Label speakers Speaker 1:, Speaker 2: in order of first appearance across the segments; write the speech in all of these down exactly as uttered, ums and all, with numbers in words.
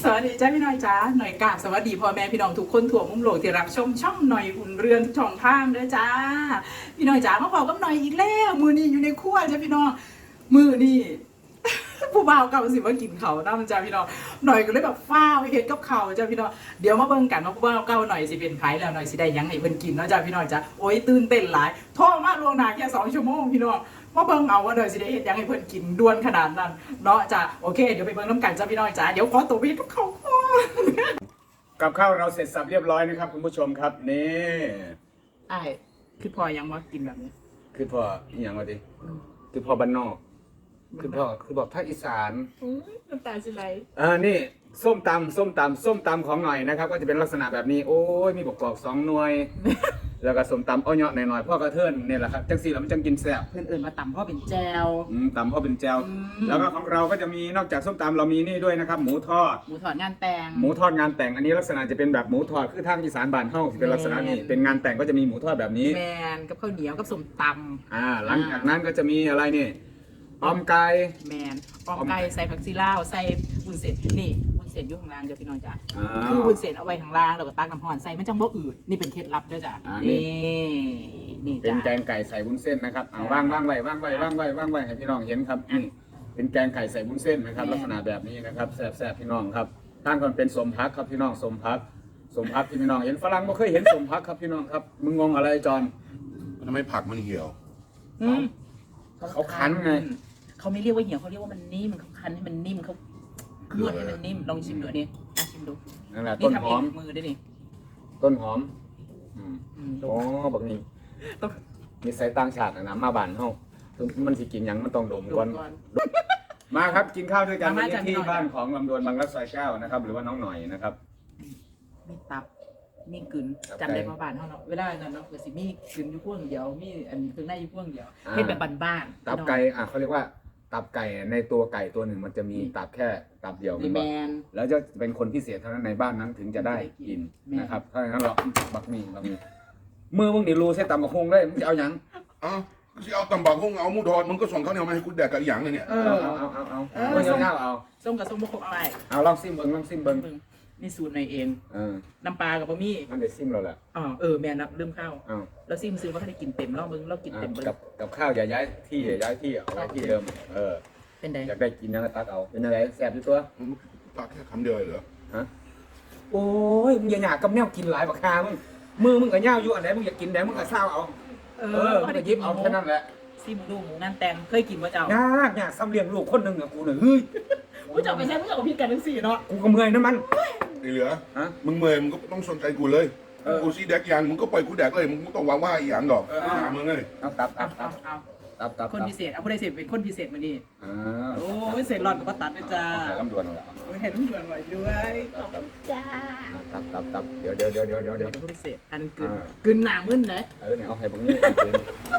Speaker 1: สวัสดีจ้าพี่น้อยจ้าหน่อยกราบสวัสดีพ่อแม่พี่น้องทุกคนทั่วมุมโลกที่รับชมช่องหน่อยอุ่นเรือนช่องทางด้วยจ้าพี่น้อยจ้ามาพอกับหน่อยอีกแล้วมือนี้อยู่ในครัวจ้าพี่น้องมือนี่ ผู้บ่าวเก่าสิว่ากินเขาน้ำจ้าพี่น้องหน่อยก็เลยแบบฟ้าวเฮ็ดกับเขาจ้าพี่น้องเดี๋ยวมาเบิ่งกันว่าผู้บ่าวเก่าหน่อยสิเป็นไผแล้วหน่อยสิได้ยังให้เพิ่นกินเนาะจ้าพี่น้องจ้าโอ้ยตื่นเต้นหลายโทรมาล่วงหน้าแค่สองชั่วโมงพี่น้องมาเบิ่งเอาว่าหน่อยสิได้เฮ็ดยังให้เพิ่นกินด่วนขนาดนั้นเนาะจ้าโอเคเดี๋ยวไปเบิ่งน้ำกันจ้าพี่น้องจ้าเดี๋ยวขอตัวไปทุกเขาก่อน
Speaker 2: กับข้าวเราเสร็จสับเรียบร้อยนะครับคุณผู้ชมครับนี่
Speaker 1: ไอ้คือพอยังว่ากินแบบนี้
Speaker 2: คือพออหย่างวะดิคือพอบ้านนอกคือพอคือบอกภาคอีสาน
Speaker 1: น้ำตาสิไหล
Speaker 2: อ่านี่ส้มตำส้มตำส้มตำของหน่อยนะครับก็จะเป็นลักษณะแบบนี้โอ้ยมีบกกอกสองหน่วย แล้วก็ส้มตำอ้อยเนาะหน่อยๆพ่อกระเทินเนี่ยแหละครับจังสี่เรามันจังกินแซ่บ
Speaker 1: เพื่อนเอื่นมาต่ำพ่อเป็นแจว
Speaker 2: อืมตำพ่อเป็นแจว
Speaker 1: อืม
Speaker 2: แล้วก็ของเราก็จะมีนอกจากส้มตำเรามีนี่ด้วยนะครับหมูทอด
Speaker 1: หมูถอดงานแต่ง
Speaker 2: หมูทอดงานแต่งอันนี้ลักษณะจะเป็นแบบหมูทอดคือทางอีสานบ้านเฮาสิเป็นลักษณะนี้
Speaker 1: แม่น
Speaker 2: เป็นงานแต่งก็จะมีหมูทอดแบบนี้
Speaker 1: แมนกับข้าวเหนียวกับส้มต
Speaker 2: อ่าหลังจากนั้นก็จะมีอะไรนี่ออมไก่
Speaker 1: ำแมนออมไก่ใส่ผักซีลาวใส่วุ้นเส้นนี่วุ้นเส้นอยู่ข้างล่างเดี๋ยวพี่น้องจ้ะ
Speaker 2: อ่า
Speaker 1: คือวุ้นเส้นเอาไว้ข้างล่างแล้วก็ตักน้ำห่อนใส่มันจังบ่อืดนี่เป็นเคล็ดลับด้วยจ้ะ
Speaker 2: อ่านี่
Speaker 1: นี่นี่
Speaker 2: เป็น
Speaker 1: จ้ะ
Speaker 2: แกงไก่ใส่วุ้นเส้นนะครับเอาว่างว่างไว้ว่างไว้ว่างไว้ว่างไว้ให้พี่น้องเห็นครับนี่เป็นแกงไก่ใส่วุ้นเส้นนะครับลักษณะแบบนี้นะครับแซ่บๆพี่น้องครับท่านคนเป็นสมพักครับพี่น้องสมพักสมพักที่พี่น้องเห็นฝรั่งไม่เคยเห็นสมพักครับพี่น้องครับมึงงงอะไรจอน
Speaker 3: ทำไมผักมันเหี่ยว
Speaker 1: อืม
Speaker 2: เขาคั้นไง
Speaker 1: เขาไม่เรียกว่าเหี่ยวเขาเรียกว่ามันนิ่มเขาคั้นให้มันนิ่มเขานวดให้มันนิ่มลองชิมดูอันนี้อ่ะชิมดู
Speaker 2: นั่นแหละ
Speaker 1: นี่
Speaker 2: ต้น
Speaker 1: ทำ
Speaker 2: ห
Speaker 1: เอ
Speaker 2: อง ม
Speaker 1: มือด้วยนี่
Speaker 2: ต้นหอมอืม
Speaker 1: อืมดู
Speaker 2: อ๋อบักนี้
Speaker 1: ต้อง
Speaker 2: มีสายต่างชาตินะมาบ้านเฮาถึงมันสิกินหยังมันต้องดม
Speaker 1: ดู
Speaker 2: ก่อน
Speaker 1: ก่อน
Speaker 2: มาครับกินข้าวด้วยกัน
Speaker 1: มา
Speaker 2: วัน
Speaker 1: จ้ะ
Speaker 2: นี้ที่
Speaker 1: พี่น้อง
Speaker 2: บ้านของลำดวนบางรักซอยเก้านะครับหรือว่าน้องหน่อยนะครับ
Speaker 1: มีตับมีกึน
Speaker 2: ตับ
Speaker 1: จำได้
Speaker 2: ไก่
Speaker 1: มาบ้านเขาเนาะเวลานั้นเนาะเกิดสิมีกึนอยู่พวงเดียวมีอันเครื่องในอยู่พวงเดียว
Speaker 2: อ่า
Speaker 1: เฮ็ดแบบบ้านๆ
Speaker 2: ตับไก่อ่ะเขาเรียกว่า ตับไก่ในตัวไก่ตัวหนึ่งมันจะมีตับแค่ตับเดียว
Speaker 1: นี่แมน
Speaker 2: แล้วจะเป็นคนพิเศษเท่านั้นในบ้านนั้นถึงจะได้กิน
Speaker 1: แม่
Speaker 2: นะครับถ้าอย่างนั้นเราบักมีบักมีมือมึงนี่รู้เส้นตำบักฮงเลยมึงจะเอาหยัง
Speaker 3: เอ้าสิเอาตำบักหุ่งเอาหมูทอดมึงก็ส่งข้าวเหนียวมาให้กูแดกกับอีหยังเลยเนี่ย
Speaker 1: เอ
Speaker 2: เอา
Speaker 1: อ
Speaker 2: เอาเอาเอา
Speaker 1: เออ
Speaker 2: เอาเอาเอาเอา
Speaker 1: ส้มกับส้มบกครบอะไร
Speaker 2: เอาลองซิมเบิ้งลองซิมเบิ้ง
Speaker 1: เบิ่งนี่สูตรในเอง
Speaker 2: เออ
Speaker 1: น้ำปลากับบะหมี่
Speaker 2: มันได้ซิมเราแหละ
Speaker 1: อ๋อเออแมนนะลืมข้าว
Speaker 2: เอา
Speaker 1: แล้วซิมซื้อว่าเขาได้กินเต็มแล้วมึงเรากิน
Speaker 2: อ่ะ
Speaker 1: เต็มเบิ่ง
Speaker 2: กับกับข้าวอย่าย้ายที่อย่าย้ายที่เอาไว้ที่เดิมเออ
Speaker 1: เป็นไง
Speaker 2: อยากได้กินยังไงตักเอาเป็นอะไรแสบอยู่ตัว
Speaker 3: มึงตักแค่คำเดียวเลยเหรอ
Speaker 2: ฮะโอ้ยมึงอย่าหยากับแนวกินหลายบักคามึงมือมึงกับย่าวอยู่อันไหนมึงอยากกินไหนมึงก็เศร้าเอา
Speaker 1: เอ
Speaker 2: เออมึงก็หยิบเอาแค่นั้นแหละ
Speaker 1: ซิมดูหมูงานแต่งเคยกินว่าเจ้าย
Speaker 2: ากยากซ้ำเลี้ยงลูกคนหนึ่งอะกูเนี่ยเฮ้ย
Speaker 1: ผู้เจ้าไปใช้ผู้เจ้ากับพี่กันทั้งสี่เนาะ
Speaker 2: กูก็เมื่อยนะมัน
Speaker 3: ไอ้เหลือ
Speaker 2: ฮะ
Speaker 3: มึงเมื่อยมึงก็ต้องสนใจกูเลย
Speaker 2: เออ
Speaker 3: กูซีแดกอีหยังมึงก็ปล่อยกูแดกเลยมึงไม่ต้องหวังว่าอีหยังดอก
Speaker 2: เออ
Speaker 3: หามึงเลย
Speaker 2: เอาตับตั
Speaker 1: เอา
Speaker 2: บตั
Speaker 1: เอา
Speaker 2: บ
Speaker 1: เอา
Speaker 2: ตับตับ
Speaker 1: คนพิเศษเอาผู้ใดเศษเป็นคนพิเศษมานี่
Speaker 2: อ่า
Speaker 1: โอ้ยเศษหลอดกับป้าตัดนะจ้า
Speaker 2: เอาลำดวนเอาละ
Speaker 1: โอ้ยเห็นลูกเดือนไหวด้วยขอบคุณจ้า
Speaker 2: ตับตับตับเดี๋ยวเดี๋ยวเดี๋ยวเดี๋ยวเดี๋ยว
Speaker 1: เดี๋
Speaker 2: เดี๋
Speaker 1: ย
Speaker 2: ยว ว
Speaker 1: เป็นผู้พิเศษอันกึน
Speaker 2: อ่า
Speaker 1: กึนหนามึนเลย
Speaker 2: เออเนี่ยเอาให้ผมนี่เอาคืน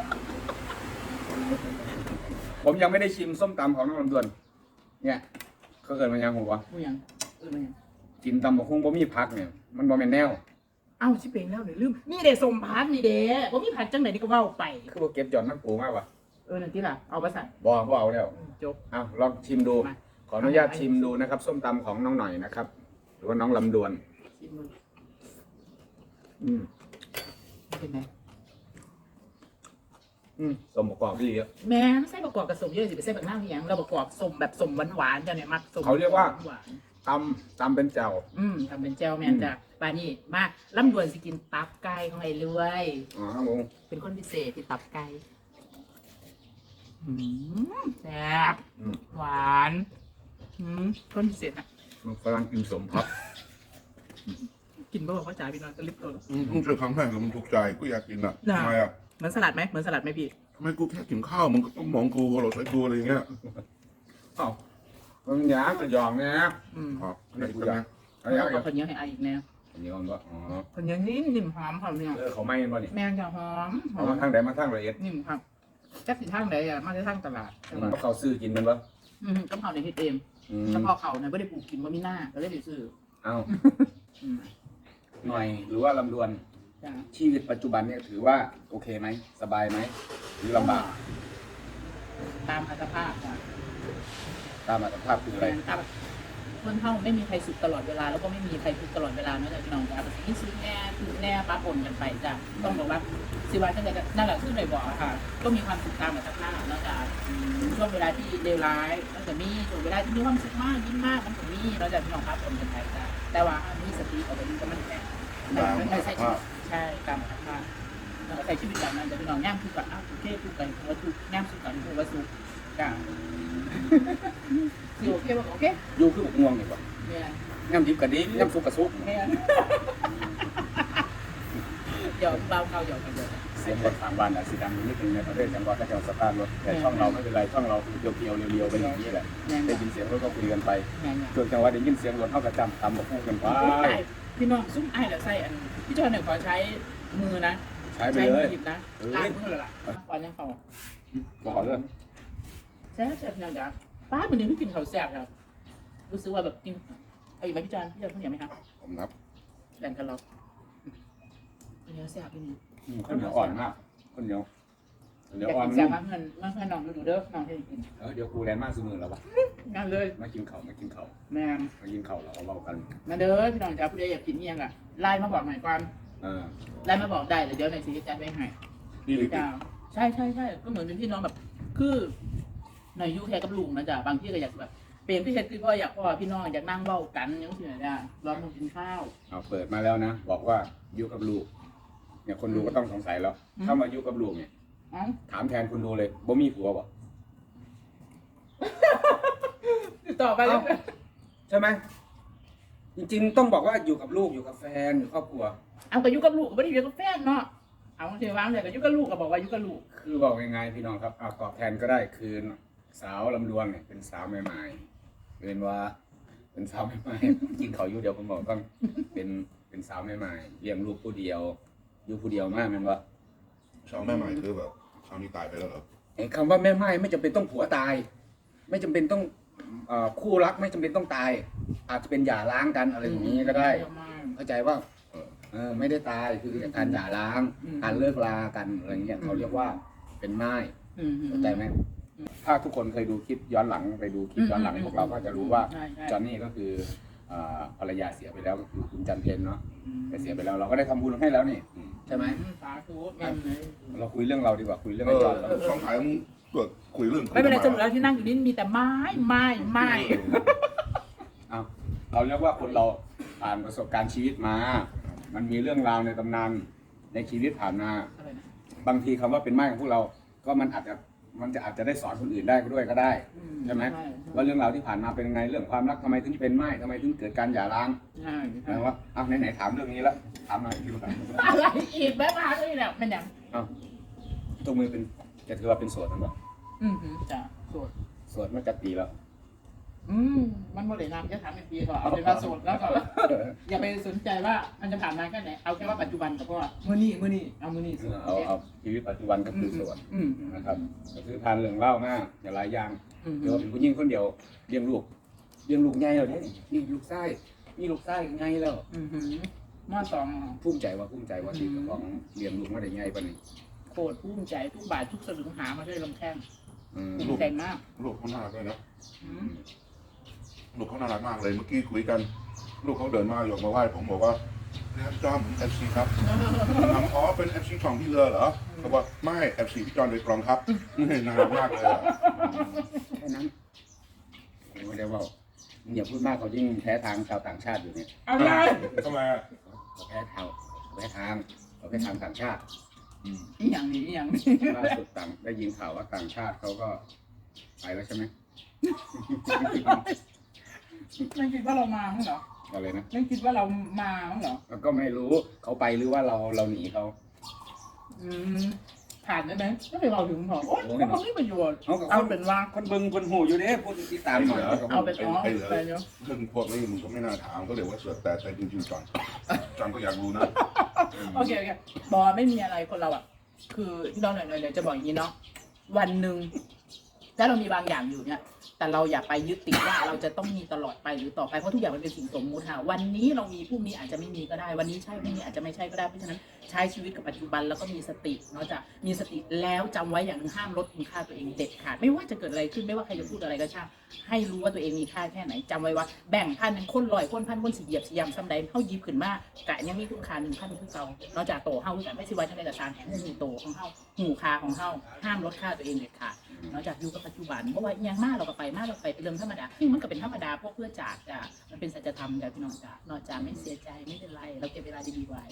Speaker 2: ผมยังไม่ได้ชิมส้มตำของน้องลำดวน เนี่ยเขาเกิดมายังหัว
Speaker 1: ผู้ยังเออมายัง
Speaker 2: กินตำบักหุ่งบ่มีผักเนี่ยมันบ่แม่นแนว
Speaker 1: เอ้าชิเปงแล้วเดี๋ยวลืมนี่เด้สมพักนี่เด้ว่ามีผักจังไหนนี่ก็เว้าไป
Speaker 2: คือบ่เก็บจอนนักปูมากวะ
Speaker 1: เออนั่นที่ล่ะเอาไปใส่
Speaker 2: บ่บ่เอาแล้ว
Speaker 1: จบ
Speaker 2: เอาลองชิมดู
Speaker 1: มา
Speaker 2: ขออนุญาตชิมดูนะครับ ส้มตำของน้องหน่อยนะครับ หรือว่าน้องลำดวน
Speaker 1: ชิมมือ
Speaker 2: อืม
Speaker 1: เป็นไง
Speaker 2: อืมสมประกอบดีเยอะ
Speaker 1: แม่ไม่ใส่ประกอบกับสมเยอะสิไปใส่แบบหน้าเพียงเราประกอบสมแบบสมหวานๆจ้ะเนี่ยมักสม
Speaker 2: เขาเรียกว่า
Speaker 1: หวาน
Speaker 2: ตำตำเป็นแจ่ว
Speaker 1: ๆอืมทำเป็นแจวแมนจ้ะปลานี่มากล่ำดวนสิกินตับไก่ของไอ้รวย
Speaker 2: อ๋อครับผม
Speaker 1: เป็นคนพิเศษที่ตับไก่อืมแซ่บ
Speaker 2: อืม
Speaker 1: หวานอืมคนพิเศษอ่ะ
Speaker 2: มันฝรั่งกินสมพับ
Speaker 1: กินเพื่อบอกว่าจ่ายพี่น้องจะรีบตัว
Speaker 3: อืมมึงเจอครั้งแรกแล้วมึงถูกใจกูอยากกินอ่ะ
Speaker 1: น่ะ
Speaker 3: ทำไมอ่ะ
Speaker 1: เหมือนสลัดไหมเหมือนสลัดไหมพี่
Speaker 3: ทำไมกูแค่กินข้าวมึงก็ต้องมองกูเราใส่กูอะไรอย่างเงี้ย
Speaker 2: เอ้ามันหยาบจะหยองนะ
Speaker 1: อืม
Speaker 3: อ๋อไม่กูนะ
Speaker 2: เอาอย่าง
Speaker 1: เอา
Speaker 2: เดียว
Speaker 1: คนเยอะให้ไออีกแนว
Speaker 2: อันนี้มันก็อ๋อ
Speaker 1: คนเยอะนิ่มนิ่มหอมหอมเนี่ย
Speaker 2: เออเขาไม่เห็นบ่นี่
Speaker 1: แมงจะหอมหอ
Speaker 2: เอา
Speaker 1: ม
Speaker 2: มาทางไหนมาทางละเอียด
Speaker 1: นิ่มครับจักสิทางไหนอ่ะมาได้ทางตลาดใช่ปะ
Speaker 2: เขาซื้อกินมันบ่
Speaker 1: อืมก็เผาในที่เต็ม
Speaker 2: อืม
Speaker 1: เฉพาะเขาเนี่ยไม่ได้ปลูกกินว่ามีหน้าก็เลยไปซื้อ
Speaker 2: เอา
Speaker 1: อืม
Speaker 2: หน่อยหรือว่าลำดวน
Speaker 1: จ้ะ
Speaker 2: ชีวิตปัจจุบันเนี่ยถือว่าโอเคไหมสบายไหมหรือลำบาก
Speaker 1: ตามอัตภาพจ้ะ
Speaker 2: ตามอัตภาพคืออะไร
Speaker 1: ตามคนเท่าไม่มีใครสุขตลอดเวลาแล้วก็ไม่มีใครทุกข์ตลอดเวลาเนาะจ้ะพี่น้องจ้ะที่สุดแน่คือแน่ปะปนกันไปจ้ะต้องบอกว่าสิว่าจังไดก็นั่นแหละคือเลยบอกอะค่ะก็มีความสุขตามแบบทั้งหน้าเนาะจ้ะช่วงเวลาที่เลวร้ายมันจะมีช่วงเวลาที่มีความสุขมากยิ้มมากมันก็มีเราจะพี่น้องปะปนกันไปจ้ะแต่ว่ามีสติเอาไปดูกับมันแค่ไม่ใช่ใช่ตามธรรมชาติแล้วก็ใช้ชีวิตแบบนั้นจะพี่น้องย่างคือกับอ้าวโอเคทุกกันคือว่าทุกย่างสุขกันคือว่าสุขจ้ะคือโอเคป่ะโอเค
Speaker 2: อยู่คือง่วงนี่บ่
Speaker 1: เนี่ย
Speaker 2: ย่ำดิบกระดิบย่ำสุกกระซุก
Speaker 1: เนี่ยเดี๋ยวเบาเขาเดี๋ยวกันเดี๋ยว
Speaker 2: เสียงรถทางบ้านอาจสิดังนิดนึงในประเทศจังหวัดก็จะสตาร์ทรถแต่ช่องเราไม่เป็นไรช่องเราเพียวๆเรียวๆไปอย่างนี้แหละได้ยินเสียงรถก็คุยกันไป
Speaker 1: เนี่ยเนี่ย
Speaker 2: ส่วนจังหวัดได้ยินเสียงรถเท่ากับจำทำมาพูดกันไป
Speaker 1: พี่น้องซุ้มไอ้แล้วใส่อันพี่จอยเนี่ยขอใช้มือนะ
Speaker 2: ใช้ไปเลย
Speaker 1: หยิบนะล้างมือเลยล่ะก่อนยังเขา
Speaker 2: บอกเรื่อง
Speaker 1: แซ่บแซ่บยังจ้ะป้าเหมือนนึงที่กินข้าวแซ่บครับรู้สึกว่าแบบกินเอาอีกไหมพี่จอยพี่จอยข้าวเหนียวไหมครับ
Speaker 3: ผมนับ
Speaker 1: แบ่งกันเราเนื้อแซ่บพี่นี่
Speaker 2: ข้าวเหนียวอ่อนมากข้าวเหนียวข้าวเหนียว
Speaker 1: อยาก
Speaker 2: อ่อน
Speaker 1: กินแซ่บมากเงินมากเงินน้องดูเด้อน้องให้กิน
Speaker 2: เออเดี๋ยวกูแลนมากซื้อมือแล้ววะ
Speaker 1: งานเลย
Speaker 2: มากินข้าวมากินข้าว
Speaker 1: แม่
Speaker 2: มากินข้าวเราเอาเบากัน
Speaker 1: มาเด้อพี่น้องจ้าผู้ใดอยากกินเอียงอ่ะไลน์มาบอกหน่อยก่อน
Speaker 2: เออ
Speaker 1: ไลน์มาบอกได้เดี๋ยวในซีจัดไว้ให้
Speaker 3: นี่ลิ
Speaker 1: จ้าใช่ใช่ใช่ก็เหมือนเป็นพี่น้องแบบ คือหน่อยยูแค่กับลุงนะจ๊ะบางที่ก็อยากแบบเปลี่ยนพี่เฮ็ดคือพ่ออยากพ่อพี่น้องอยากนั่งเบ้ากันอยังสินะจ๊ะรอมึงกินข้าว
Speaker 2: เอาเปิดมาแล้วนะบอกว่าอยู่กับลูกเนี่ยคนดูก็ต้องสงสัยแล้วถ้ามาอยู่กับลูกเนี่ย
Speaker 1: อ๋อ
Speaker 2: ถามแทนคนดูเลยบ่มีผัวบ่
Speaker 1: ติดต่อไปเลย
Speaker 2: ใช่ไหมจริงๆต้องบอกว่าอยู่กับลูกอยู่กับแฟนอยู่ครอบครัว
Speaker 1: เอากับยุกับลูกก็ไม่ได้อยู่กับแฟนเนาะเอาเทวางเลยกับยุกับลูกก็บอกว่ายุกับลูก
Speaker 2: คือบอกยังไงพี่น้องครับเอาตอบแทนก็ได้คือสาวลำดวงเนี่ยเป็นสาวใหม่ๆเป็นว่า เป็นสาวใหม่ๆกินเขาวอยู่เดียวผมบอกต้องเป็นเป็นสาวใหม่ๆเลี้ยงลูกผู้เดียวอยู่ผู้เดียวมากแมันว่า
Speaker 3: สาวแม่ใหม่คือแบบสาวนี้ตายไปแล้วเหรอ
Speaker 2: ไอ้คำว่าแม่ไม้ไม่จำเป็นต้องผัวตาย ไม่จำเป็นต้องเอ่อคู่รักไม่จำเป็นต้องตาย อาจจะเป็นหย่าร้างกันอะไรอย่างนี้ก็ได้ เข้าใจว่าเออเออไม่ได้ตายคือการหย่าร้างการเลิกลากันอะไรเงี้ยเขาเรียกว่าเป็นไม้
Speaker 1: อืม
Speaker 2: เข้าใจไหมถ้าทุกคนเคยดูคลิปย้อนหลังไปดูคลิปย้อนหลังพวกเราก็จะรู้ว่า
Speaker 1: ใช่ใช่
Speaker 2: จอนนี่ก็คือเอ่อภรรยาเสียไปแล้วก็คือคุณจันเพนเนาะแต่เสียไปแล้วเราก็ได้ทำบุญให้แล้วนี่ใช่ไหม
Speaker 1: สาธุแม่เลย
Speaker 2: เราคุยเรื่องเราดีกว่าคุยเรื่อง
Speaker 3: เอ
Speaker 2: ไอ้
Speaker 3: อ
Speaker 2: จอนแล้ว
Speaker 3: ต้องถ่ายมึงเกิดคุยเรื่อง
Speaker 1: ไม่เป็นไรสรุปแล้วที่นั่งอยู่นี่มีแต่ไม้ไม้ไม้
Speaker 2: เอาเราเรียกว่าคนเราผ่านประสบการณ์ชีวิตมา มันมีเรื่องราวในตำนานในชีวิตผ่านมา
Speaker 1: อะไรนะ
Speaker 2: บางทีคำว่าเป็นไม้ของพวกเรา ก็มันอาจจะมันจะอาจจะได้สอนคนอื่นได้ด้วยก็ได้ ใช่ไหมว่าเรื่องราวที่ผ่านมาเป็นยังไงเรื่องความรักทำไมถึงเป็นไม้ทำไมถึงเกิดการหย่าร้าง
Speaker 1: ใช่
Speaker 2: นะว่าเอาไหนๆถามเรื่องนี้แล้วถามหน่อยพี่ถาม
Speaker 1: อะไรอีกแม่มาก็นี่แหละเป็นอย่าง
Speaker 2: เอาตัวมือเป็นจะถือว่าเป็นโสดมั้ย
Speaker 1: อืมจ้ะโสด
Speaker 2: โสดมาจากปีแล้ว
Speaker 1: อืมมันโมเดลนามจะถามเป็นปีก่อนเอาเป็นว่าโสดแล้วก็อย่าไปสนใจว่ามันจะผ่านมาแค่ไหนเอาแค่ว่าปัจจุบันกับพ่อมือนี่มือนี่เอามือนี่โสด
Speaker 2: เอาเอาชีวิตปัจจุบันก็คือโสด
Speaker 1: อืม
Speaker 2: นะครับก็คือผ่านเรื่องเล่ามากอย่าหลายอย่าง
Speaker 1: อืม
Speaker 2: เดี๋ยวเป็นผู้หญิงคนเดียวเลี้ยงลูกเลี้ยงลูกไงแล้วเนี่ยนี่ลูกไส้นี่ลูกไส้ไงแล้ว
Speaker 1: อืมมอสอง
Speaker 2: ภูมิใจว่าภูมิใจว่าที่เจ้าของเลี้ยงลูกมาได้ไงปะนี่
Speaker 1: โคตรภูมิใจทุกบาททุกสลึงหามาด้วยลำแข้ง
Speaker 2: อืม
Speaker 1: ภูมิใจมาก
Speaker 3: ลูกเขาน่ารักเลยนะ
Speaker 1: อืม
Speaker 3: ลูกเขาน่ารักมากเลยเมื่อกี้คุยกัน ลูกเขาเดินมาอยกมาไหว้ผมบอกว่าเนี่ยจอมเอฟซีครับถามอ๋อเป็นเอฟซีของพี่เรือเหรอเขาบอกไม่เอฟซีพี่จอนโดยตรงครับน่ารักมากเลยอะ
Speaker 2: แค่นั้นผมไม่ได้ว่าอย่าพูดมากเขายิ่งแพ้ทางชาวต่างชาติอยู่เนี่ย
Speaker 1: อะไร
Speaker 3: ทำไมอะ
Speaker 2: เขาแพ้ทางเขาแพ้ทางเขาแพ้ทางต่างชาติ
Speaker 3: อืม
Speaker 1: อีหยังนี่อีหยังนี่
Speaker 2: ล่าสุดต่างได้ยินข่าวว่าต่างชาติเขาก็ไปแล้วใช่ไหม
Speaker 1: ไม่คิดว่าเรามามั้งเหรอ
Speaker 2: อะไรนะ
Speaker 1: ไม่คิดว่าเรามามั้งเหรอ
Speaker 2: แล้วก็ไม่รู้เขาไปหรือว่าเราเราหนีเขา
Speaker 1: อืมผ่านได้ไหมก็ไปเราถึงหรอโอ๊ยมันไม่ประโยชน์
Speaker 2: เอากับค
Speaker 1: เอา
Speaker 2: น
Speaker 1: เป็นว่า
Speaker 2: คนเบิ่งคนหูอยู่เด้พูดติดตามหน่อย
Speaker 1: เอาเป็นอ๋อ
Speaker 3: ไอ้เหลือ
Speaker 1: ไปเนาะ
Speaker 3: เรื่องพวกนี้มึงก็ไม่น่าถามก็เดี๋ยวว่าเสือกแต่แต่จริงๆจอนจอนก็อยากรู้นะ
Speaker 1: โอเคโอเคบอไม่มีอะไรคนเราอ่ะ คือที่เราหน่อยๆเลยจะบอกอย่างนี้เนาะวันหนึ่งถ้าเรามีบางอย่างอยู่เนี่ยแต่เราอย่าไปยึดติดว่าเราจะต้องมีตลอดไปหรือต่อไปเพราะทุกอย่างมันเป็นสิ่งสมมุติค่ะวันนี้เรามีพรุ่งนี้อาจจะไม่มีก็ได้วันนี้ใช่พรุ่งนี้อาจจะไม่ใช่ก็ได้เพราะฉะนั้นใช้ชีวิตกับปัจจุบันแล้วก็มีสติเนาะจะมีสติแล้วจำไว้อย่างหนึงห้ามลดคุณค่าตัวเองเด็ดขาดไม่ว่าจะเกิดอะไรขึ้นไม่ว่าใครจะพูดอะไรก็ช่างให้รู้ว่าตัวเองมีค่าแค่ไหนจำไว้ว่าแบ่งพันเป็นคนลอยคนพันคนสีเหยียบสียำซ้ำใดเข้ายิบขึ้นมากกะยังมีคุณค่าหนึ่งพันคือเก่านอกจากโตเฮาคือกันไม่ใช่ว่าจะได้แต่สารแห่งหูโตของเฮาหูคาของเฮาห้ามลดค่าตัวเองเด็ดขาดนอกจากอยู่กับปัจจุบันเพราะว่าอย่างมากเราก็ไปมากเราไปเป็นเรื่องธรรมดาซึ่งมันก็เป็นธรรมดาพวกเพื่อจากจ้ะมันเป็นสัจธรรมจ้ะพี่น้องจ้ะนอกจากไม่เสียใจไม่เป็นไรเราเก็บเวลาดีๆไว้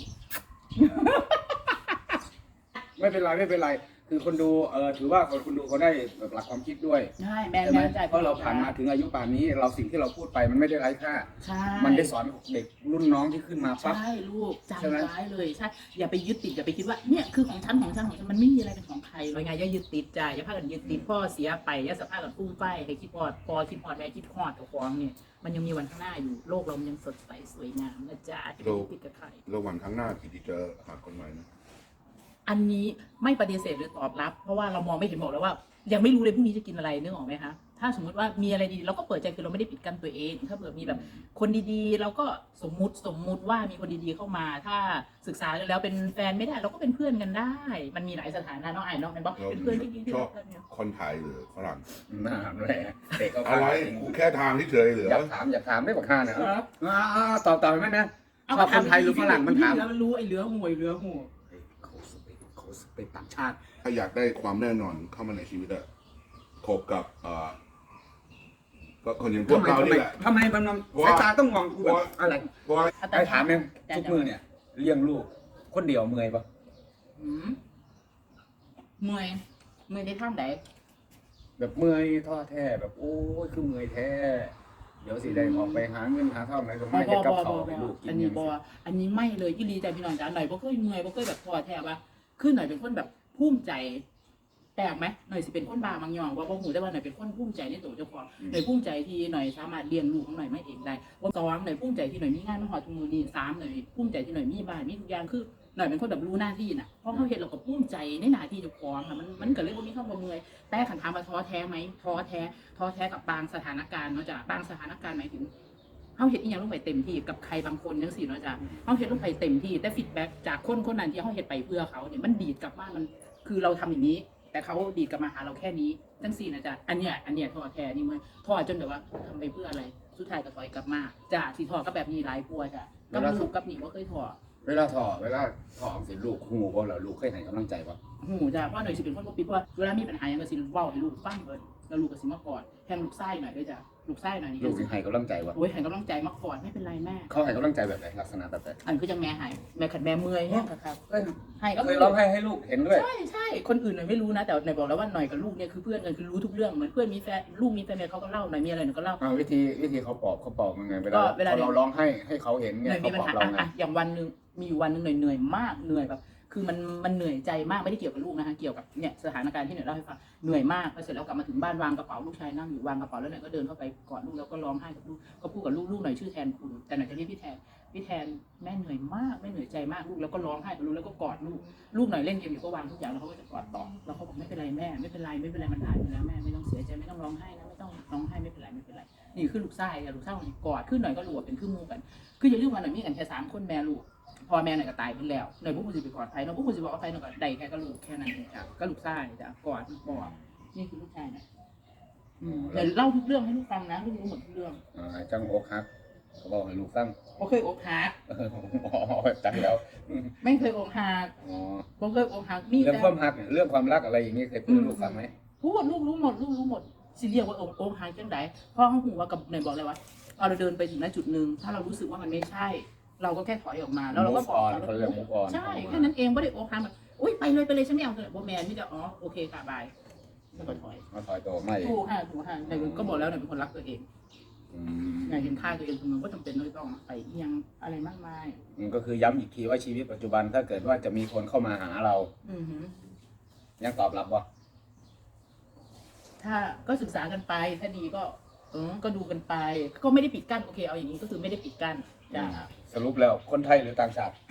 Speaker 2: ไม่เป็นไรไม่เป็นไรคือคนดูเออถือว่าคนดูเขาได้หลักความคิดด้วย
Speaker 1: ใช่แม่น
Speaker 2: ใช่ไหม
Speaker 1: แม่นใจ
Speaker 2: เพราะเราผ่านมาถึงอายุป่านนี้ เราสิ่งที่เราพูดไปมันไม่ได้ไร้ค่า
Speaker 1: ใช่
Speaker 2: มันได้สอนเด็กรุ่นน้องที่ขึ้นมาปั๊บ
Speaker 1: ใช่ลูก
Speaker 2: ใช่ไหม
Speaker 1: จำไว้เลยใช่อย่าไปยึดติดอย่าไปคิดว่าเนี่ยคือของฉันของฉันของฉันมันไม่มีอะไรเป็นของใครเลยไงอย่ายึดติดจ้ะอย่าพากันยึดติดพ่อเสียไปอย่าสภาพกันฟุ้งไฟให้คิดพอดพอคิดพอดแม่คิดพอดกับความเนี่ยมันยังมีวันข้างหน้าอยู่โลกเรามันยังสดใสสวยงามนะจ๊ะอย่าไปยึดติดกับใคร
Speaker 3: ระหว่างข้างหน้ากิติจะหาคนใหม่นะ
Speaker 1: อันนี้ไม่ปฏิเสธหรือตอบรับ เพราะว่าเรามองไม่เห็นบอกแล้วว่า ยังไม่รู้เลยพรุ่งนี้จะกินอะไรนึกออกไหมคะถ้าสมมติว่ามีอะไรดีเราก็เปิดใจคือเราไม่ได้ปิดกั้นตัวเองถ้าเผื่อมีแบบคนดีๆ เราก็สมมุติสมมุติว่ามีคนดีๆเข้ามา ถ้าศึกษาแล้วเป็นแฟนไม่ได้เราก็เป็นเพื่อนกันได้ มันมีหลายสถานะเนาะไอ้เนาะเป็นบอกเป็นเพื่อนที่ดีที่
Speaker 3: ชอ
Speaker 1: รับ กกันเนี่ย
Speaker 3: คนไทยหรือฝรั่ง
Speaker 2: น่าแหละเด็กก็
Speaker 3: อะไรกูแค่ทางที่เฉยเหลือ
Speaker 2: อยากถามอยากถามไม่บอกค่าเนี่ยอ่าตอบตอบไหมนะชอบคนไทยหรือฝรั่งมันถาม
Speaker 1: แล้วรู้ไอ้เหลือห่วยเหลือหัว
Speaker 2: เขาสเปนเขาสเปนต่างชาติ
Speaker 3: ถ้าอยากได้ความแน่นอนเข้ามาในชีวิตอะคบกับเอ่อก็คนอย่างพว
Speaker 2: ทำ
Speaker 3: ก
Speaker 2: ไม
Speaker 3: เรา
Speaker 2: ทำไม
Speaker 3: นี่แหละ
Speaker 2: ทำไมมันมัน
Speaker 3: เพราะ
Speaker 2: สาย
Speaker 3: ว่า
Speaker 2: ตาต้องมองกูแบบอะไร
Speaker 3: เพราะว่า
Speaker 2: ไอ้ถามเนี่ยทุกมือเนี่ยเลี้ยงลูกคนเดียวเมื่อยปะ
Speaker 1: อืมเมื่อยเมื่อยในท่ามไหน
Speaker 2: แบบเมื่อยท้อแท้แบบโอ้ยคือเมื่อยแท้เดี๋ยวสิได้ออกไปหาเงินหาทองอะไรก็
Speaker 1: บ
Speaker 2: ไม่
Speaker 1: อ
Speaker 2: เห็น
Speaker 1: บ
Speaker 2: กับ
Speaker 1: อ
Speaker 2: เขา
Speaker 1: บอ
Speaker 2: ให้ลูกกิ
Speaker 1: อั
Speaker 2: น
Speaker 1: น
Speaker 2: อ
Speaker 1: นี้
Speaker 2: ย่าง
Speaker 1: บอ
Speaker 2: นี้
Speaker 1: อันนี้ไม่เลยยี่ลีใจพี่น้องจ๋าหน่อยบ่เคยเมื่อยบ่เคยแบบท้อแท้ปะคือหน่อยเป็นคนแบบภูมิใจแปลกไหมหน่อยสิเป็นคนบาบางอย่างว่าบ่หูแต่ว่าหน่อยเป็นคนภูมิใจในตัวเจ้าของหน่อยภูมิใจที่หน่อยสามารถเลี้ยงลูกของหน่อยไม่เองได้ว่าสองหน่อยภูมิใจที่หน่อยมีงานมาหอดทุกมือนี่สามหน่อยภูมิใจที่หน่อยมีบ้านมีทุกอย่างคือหน่อยเป็นคนแบบรู้หน้าที่น่ะเพราะเขาเห็นเราก็ภูมิใจในหน้าที่เจ้าของค่ะมันมันก็เลยบ่มีคำว่าเมื่อยแต่ขันถามว่าท้อแท้ไหมท้อแท้ท้อแท้กับบางสถานการณ์เนาะจ้ะบางสถานการณ์หมายถึง เขาเห็นอีกอย่างลงไปเต็มที่กับใครบางคนจังสี่เนาะจ้ะเขาเห็นลงไปเต็มที่แต่ฟีดแบ็กจากคนคนนั้นที่เขาเห็นไปเพื่อเขาเนี่ยมันดีดกลับมามันคือเราทำอย่างนี้ แต่เขาดีดกลับมาหาเราแค่นี้จังสี่นะจ๊ะอันเนี้ยอันเนี้ยท้อแท้นี่มันท้อจนแบบว่าทำไปเพื่ออะไรสุดท้ายก็ถอยกลับมาจ้ะที่ท้อก็แบบนี้หลายกลัวจ้ะกับลูกกับหนีว่าเคยท้อ
Speaker 2: เวลาถอเวลาถอสิลูกหูบ่เหรอลูกเคยให้กำลังใจปะ
Speaker 1: หูจ้ะเพราะหน่อยสิเป็นคนปกปิดว่าเวลามีปัญหาอย่างก็สิเว้าให้ลูกฟังเบิดแล้วลูกก็สิมากอดแทงลูกไส้หน่อยด้วยจ้ะลูกไส้หน่อยนี่
Speaker 2: ลูกสิให้กำลังใจปะ
Speaker 1: โอ้ยให้กำลังใจมากอดไม่เป็นไรแม่
Speaker 2: เขาให้กำลังใจแบบไหนลักษณะแบบไหน
Speaker 1: อันคือจังแม่หายแม่ขัดแม่เมื่อยแห้งครับ
Speaker 2: เอ้ย
Speaker 1: ให้ก็
Speaker 2: เค
Speaker 1: คื
Speaker 2: ย
Speaker 1: อ
Speaker 2: ร้องไห้ให้ลูกเห็นด้วย
Speaker 1: ใช่ใช่คนอื่นหน่อยไม่รู้นะแต่หน่อยบอกแล้วว่าหน่อยกับลูกเนี่ยคือเพื่อนกันคือรู้ทุกเรื่องเหมือนเพื่อนมีแฟนลูกมีแฟนเนี่ยเขาก็เล่าหน่อยมีอะไรหน่อยก็เล่า
Speaker 2: อ่าวิธีวิธีเขาปลอบเขาปลอบยังไงเว
Speaker 1: ก็
Speaker 2: ลา
Speaker 1: เวลา
Speaker 2: พอเราร้องให้ให้เขาเห็น
Speaker 1: ห
Speaker 2: เนี่
Speaker 1: น่
Speaker 2: ย
Speaker 1: อยมี
Speaker 2: เขา
Speaker 1: ปัญ
Speaker 2: ปลอบ
Speaker 1: หา
Speaker 2: เราไง
Speaker 1: อ่ะอย่างวันหนึ่งมีอยู่วันหนึ่งหน่อยเหนื่อยมากเหนื่อยแบบคือมันมันเหนื่อยใจมากไม่ได้เกี่ยวกับลูกนะคะเกี่ยวกับเนี่ยสถานการณ์ที่หน่อยเล่าให้ฟังเหนื่อยมากพอเสร็จแล้วกลับมาถึงบ้านวางกระเป๋าลูกชายนั่งอยู่วางกระเป๋าแล้วหน่อยก็เดินเข้าไปกอดลูกแล้วก็ร้องไห้กับลูกก็พูดกับลูกลูกหน่อยชื่อแทนคุณแต่หน่อยจะเรียกพี่แทนพี่แทนแม่เหนื่อยมากแม่เหนื่อยใจมากลูกแล้วก็ร้องไห้กับลูกแล้วก็กอดลูกลูกหน่อยเล่นเกมอยู่ก็วางทุกอย่างแล้วเขาก็จะกอดต่อแล้วเขาบอกไม่เป็นไรแม่ไม่เป็นไรไม่เป็นไรมันผ่านไปแล้วแม่ไม่ต้องเสียใจไม่ต้องร้องไห้นะไม่ต้องร้องไห้ไม่เป็นไรไม่เป็นไรนี่คือลูกไส้อะลูกไส้หน่อยกอดขึ้นหน่อยก็รู้ว่าเป็นคือมูกันคืออย่าลืมว่าหน่อยมีกันแค่สามคนแม่ลูกพ่อแม่หน่อยก็ตายไปแล้วหน่อยพวกคุณสิไปกอดใครเนาะพวกคุณสิบอกว่าใครหน่อยก็ได้แค่ก็ลูกแค่นั้นเองจ้ะก็ลูกไส้จ้ะกอดกอดนี่คือลูกชายนะอืมเดี๋ยวเล่าทุกเรื่องให้ลูกฟังนะลูกรู้หมดทุกเรื่อง
Speaker 2: อ่าจังอกฮักเขาบอกให้ลูกฟัง
Speaker 1: บ่เคยอกหัก
Speaker 2: อ๋อจังแล้ว
Speaker 1: ไม่เคยอกหัก
Speaker 2: อ๋อ
Speaker 1: บ่เคยอกหักมี
Speaker 2: เรื่อง
Speaker 1: แต่
Speaker 2: ความฮักเนี่ยเรื่องความรักอะไรอย่างนี้เคยพูดให้ลูกฟังไหม
Speaker 1: พูดลูกรู้หมดลูกรู้หมดสิเรียกว่าอกอกหักจังไดเพราะเขาหูว่ากับไหนบอกเลยว่าเอาเราเดินไปถึงณจุดหนึ่งถ้าเรารู้สึกว่ามันไม่ใช่ เราก็แค่ถอยออกมาแล้วเราก็
Speaker 2: Move
Speaker 1: บอก
Speaker 2: on เขาเรียก move on
Speaker 1: ใช่แค่นั้นเองไม่ได้อกหักแบบอุ้ยไปเลยไปเลยฉันไม่เอาเลยโบแมนไม่ได้อ๋อโอเคค่ะบายแล้วก็ถอย
Speaker 2: มาถอยตัวไม่
Speaker 1: ถูกค่ะถูกค่ะแต่ก็บอกแล้วเนี่ยเป็นคนรักตัวเอง
Speaker 2: อืม
Speaker 1: อยากเห็นค่าตัวเองมันก็จำเป็นต้องไปเอียงอะไรมากมาย
Speaker 2: มันก็คือย้ำอีกทีว่าชีวิตปัจจุบันถ้าเกิดว่าจะมีคนเข้ามาหาเรา
Speaker 1: อือหือ
Speaker 2: ยังตอบรับว่า
Speaker 1: ถ้าก็ศึกษากันไปถ้าดีก็เออก็ดูกันไป ก็ไม่ได้ปิดกั้นโอเคเอาอย่างนี้ก็คือไม่ได้ปิดกั้นจ้า
Speaker 2: สรุปแล้วคนไทยหรือต่างชาติ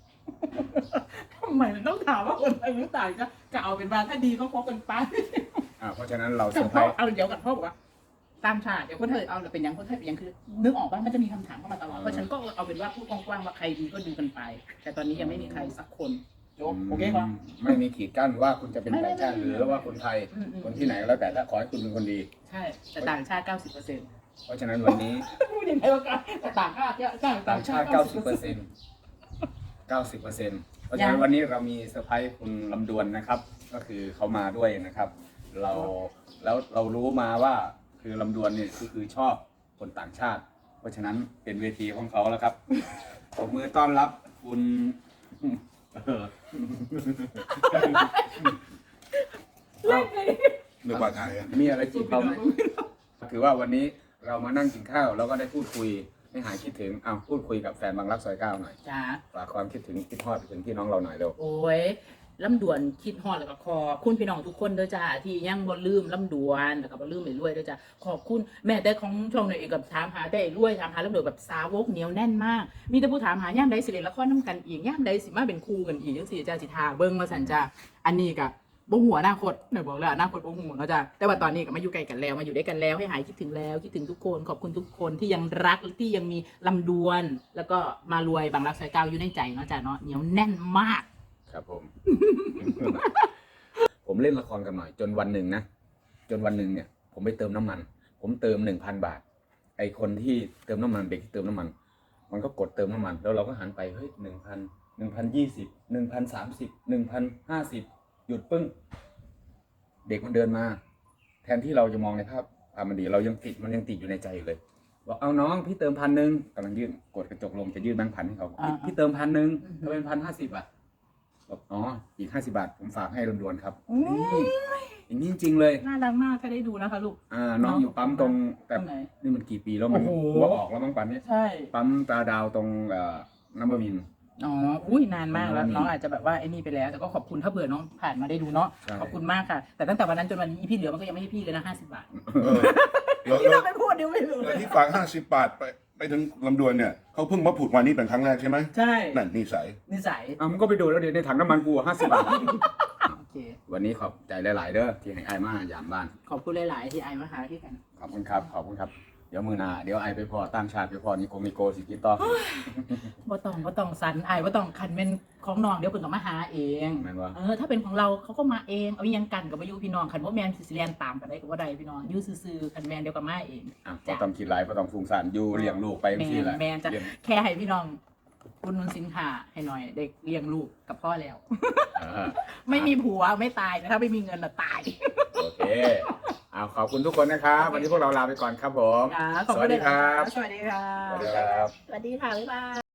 Speaker 1: ทำไมมันต้องถามว่าคนไทยหรือต่างก็ก็เอาเป็นว่าถ้าดีก็คบกันไป
Speaker 2: อ่าเพราะฉะนั้นเราเซ
Speaker 1: แต่
Speaker 2: อร์ไพ
Speaker 1: พ่
Speaker 2: ร
Speaker 1: อ
Speaker 2: ส์
Speaker 1: เอาเดี๋ยวกับพ่อบอกว่าตามชาติเดี๋ยวคนไทยเอาเป็นยังคนไทยเป็นยังคือนึกออกว่ามันจะมีคำถามเข้ามาตลอดเพราะฉันก็เอาเป็นว่าพูดกว้างๆว่าใครดีก็ดูกันไป แต่ตอนนี้ยังไม่มีใครสักคนจบโอเคป่ะ
Speaker 2: ไม่มีขีดกั้นว่าคุณจะเป็นต่างชาติหรือว่าคนไทย
Speaker 1: อืมอืม
Speaker 2: คนที่ไหนก็แล้วแต่ถ้าขอให้คุณเป็นคนดี
Speaker 1: ใช่แต่ต่างชาติเก้าสิบเปอร์เซ็นต์
Speaker 2: เพราะฉะนั้นวันนี้
Speaker 1: พูดยังไงวะกันแต่ต่างชาติเยอะต่าง
Speaker 2: ต่างชาติ
Speaker 1: เก้า
Speaker 2: เก้า
Speaker 1: สิ
Speaker 2: สิ
Speaker 1: บบ เป
Speaker 2: เป
Speaker 1: อ
Speaker 2: อ
Speaker 1: ร์
Speaker 2: ร์
Speaker 1: เซ็
Speaker 2: เซ็
Speaker 1: น
Speaker 2: น
Speaker 1: ต์
Speaker 2: ต์เก้าสิบเปอร์เซ็นต์เพราะฉะนั้นวันนี้เรามีเซอร์ไพรส์คุณลำดวนนะครับ ก็คือเขามาด้วยนะครับ เราแล้วเรารู้มาว่าคือลำดวนเนี่ยก็คือชอบคนต่างชาติ เพราะฉะนั้นเป็นเวทีของเขาแล้วครับผมมือต้อนรับคุณเออ
Speaker 1: เล่นไง
Speaker 3: นึกว่าไทยอะ
Speaker 2: มีอะไรจีบเขาไหมคือว่าวันนี้เรามานั่งกินข้าวแล้วก็ได้พูดคุยให้หายคิดถึงเอาพูดคุยกับแฟนบางรักซอยเก้าหน่อย
Speaker 1: จ้า
Speaker 2: ฝากความคิดถึงคิดทอดไปถึงพี่น้องเราหน่อยเร็ว
Speaker 1: โอ้ยลำดวนคิดฮอดแล้วก็ขอบคุณพี่น้องทุกคนเด้อจ้าที่ยังบ่ลืมลำดวนแล้วก็บ่ลืมไอ้รวยเด้อจ้าขอบคุณแม่แต่ของช่องหน่อยเองกับถามหาแต่ไอ้รวยถามหาลำดวนแบบสาวกเหนียวแน่นมาก มีแต่ผู้ถามหาย่ามใดสิเล่นละครนํกันอีกย่ามใดสิมาเป็นคู่กันอีกจังซี่จ้าสิทาเบิ่งมาสั่นจ้าอันนี้ก็บ่หัวอนาคตหน่อยบอกเลยอนาคตบ่หัวเนาะจ้าแต่ว่าตอนนี้ก็มาอยู่ใกล้กันแล้วมาอยู่ด้วยกันแล้วให้หายคิดถึงแล้วคิดถึงทุกคนขอบคุณทุกคนที่ยังรักที่ยังมีลำดวน แล้วก็มารวยบางรักสายเก้าอยู่ในใจเนาะจ้าเนาะเหนียวแน่นมาก
Speaker 2: ครับผม ผมเล่นละครกันหน่อย จนวันหนึ่งนะจนวันหนึ่งเนี่ย ผมไปเติมน้ำมัน ผมเติมหนึ่งพันบาท ไอคนที่เติมน้ำมันเด็กที่เติมน้ำมัน มันก็กดเติมน้ำมัน แล้วเราก็หันไปเฮ้ยหนึ่งพันหนึ่งพันยี่สิบหนึ่งพันสามสิบหนึ่งพันห้าสิบหยุดปึ้ง เด็กมันเดินมา แทนที่เราจะมองในภาพภาพมันดีเรายังติดมันยังติดอยู่ในใจอยู่เลยบอกเอาน้องพี่เติมพันหนึ่งกำลังยื่นกดกระจกลงจะยื่นแบงค์พันให้เขาพี่พี่เติมพันหนึ่งทำไมเป็นพันห้าสิบอ่ะบอกอ๋ออีกห้าสิบาทผมฝากให้ลำดวนครับนี่อย่างนี้จริงๆเลย
Speaker 1: น่ารักมากถ้าได้ดูนะคะลูก
Speaker 2: อ่าน้องอยู่ปั๊มตรงแต่
Speaker 1: ตรงไหน
Speaker 2: นี่มันกี่ปีแล้วมัน
Speaker 1: โอ้โห
Speaker 2: หัวออกแล้วมั้งปันนี้
Speaker 1: ใช่
Speaker 2: ปั๊มตาดาวตรงเอ่อน้ำบะมิน
Speaker 1: อ๋อ อุ้ยนานมากแล้ว
Speaker 2: อืม
Speaker 1: น้องอาจจะแบบว่าไอ้นี่ไปแล้ว แต่ก็ขอบคุณถ้าเผื่อน้องผ่านมาได้ดูเนาะ
Speaker 2: ใช่
Speaker 1: ขอบคุณมากค่ะ แต่ตั้งแต่วันนั้นจนวันนี้พี่เหลือมันก็ยังไม่ให้พี่เลยนะห้าสิบบาท
Speaker 3: เออแล้ว
Speaker 1: พี่
Speaker 3: แล้
Speaker 1: เรา
Speaker 3: ว
Speaker 1: ไม่พูดเดี๋ยวไม่รู้
Speaker 3: แล้วที่ฝากห้าสิบบาทไปไปถึงลำดวนเนี่ยเขาเพิ่งมาผุดวันนี้เป็นครั้งแรกใช่ไหม
Speaker 1: ใช่
Speaker 3: นั่นนิสัย
Speaker 1: นิสัย
Speaker 2: อ่ะมันก็ไปดูแล้วเดี๋ยวในถังน้ำมันกูห้าสิบบาท
Speaker 1: โอเค
Speaker 2: วันนี้ขอบใจหลาย ๆ เด้อที่ให้ไอ้มายามบ้าน
Speaker 1: ขอบคุณหลาย ๆ ที่ไอมาหาที่กัน
Speaker 2: ขอบคุณครับ ขอบคุณครับ เดี๋ยวมือหนาเดี๋ยวไอไปพอตั้งชาติไปพอนิโกมิโกสิกินต่อ
Speaker 1: บ่ต้องบ่ต้องสันไอบ่ต้องคันเป็นของน้องเดี๋ยวเพิ่นก็มาหาเอง
Speaker 2: แม่นวะ
Speaker 1: เออถ้าเป็นของเราเขาก็มาเองเอาอิหยังกันกับมาอยู่พี่น้องคันว่าแมนสิเรียนตามกันได้ก็บ่ได้พี่น้องอยู่ซื่อๆคันแมนเดียวกับมาเอง
Speaker 2: อ่ะก็ต้องคิดหลายก็ต้องฟุ้งซ่านอยู่เลี้ยงลูกไป
Speaker 1: แม
Speaker 2: ที่
Speaker 1: น
Speaker 2: แหละ
Speaker 1: แมนจะ
Speaker 2: เลี้ยง
Speaker 1: แค่ให้พี่น้องอุดหนุนสินค้าให้หน่อยเด็กเลี้ยงลูกกับพ่อแล้ว
Speaker 2: อ่า
Speaker 1: ไม่มีผัวไม่ตายแต่ถ้าไม่มีเงินน่ะตาย
Speaker 2: โอเคเอาขอบคุณทุกคนนะครับ วันนี้พวกเราลาไปก่อนครับผม
Speaker 1: ค่ะขอบ
Speaker 2: ส
Speaker 1: คุ
Speaker 2: วั
Speaker 1: ณ
Speaker 2: สดีครับ
Speaker 1: สวัสดีค่ะ
Speaker 2: สวัสดีครับ
Speaker 1: สวัสดีค่ะบ๊ายบาย